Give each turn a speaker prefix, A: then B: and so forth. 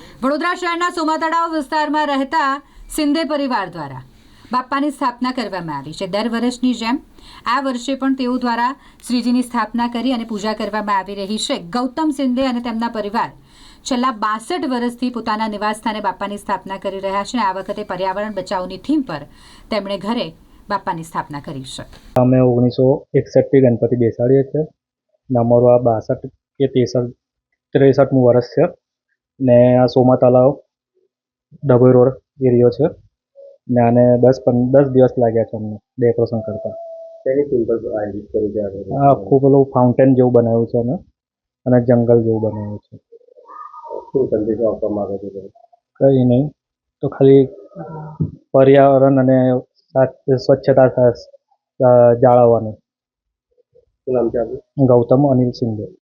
A: વડોદરા શહેરના સોમાતળાવ વિસ્તારમાં રહેતા સિંધે પરિવાર દ્વારા બાપ્પાની સ્થાપના કરવામાં આવી છે। દર વર્ષની જેમ આ વર્ષે પણ તેઓ દ્વારા શ્રીજીની સ્થાપના કરી અને પૂજા કરવામાં આવી રહી છે। ગૌતમ સિંધે અને તેમના પરિવાર છેલ્લા 62 વર્ષથી પોતાના નિવાસસ્થાને બાપ્પાની સ્થાપના કરી રહ્યા છે। આ વખતે પર્યાવરણ બચાવની થીમ પર તેમણે ઘરે બાપ્પાની સ્થાપના કરી છે।
B: અમે 1961થી ગણપતિ બેસાડીએ છીએ ને અમારું આ 62 કે 63મું વર્ષ છે ને આ સોમા તળાવ ડભોઈ રોડ એરિયો છે ને આને 10 દિવસ લાગ્યા છે અમને ડેકોરેશન કરતા। આ આખું પેલું ફાઉન્ટેન જેવું બનાવ્યું છે અને જંગલ જેવું બનાવ્યું છે।
C: શું સંદેશો આપવા માંગો છો?
B: કંઈ નહીં, તો ખાલી પર્યાવરણ અને સ્વચ્છતા જાળવવાનું।
C: શું નામ છે આપનું?
B: ગૌતમ અનિલ સિંધે।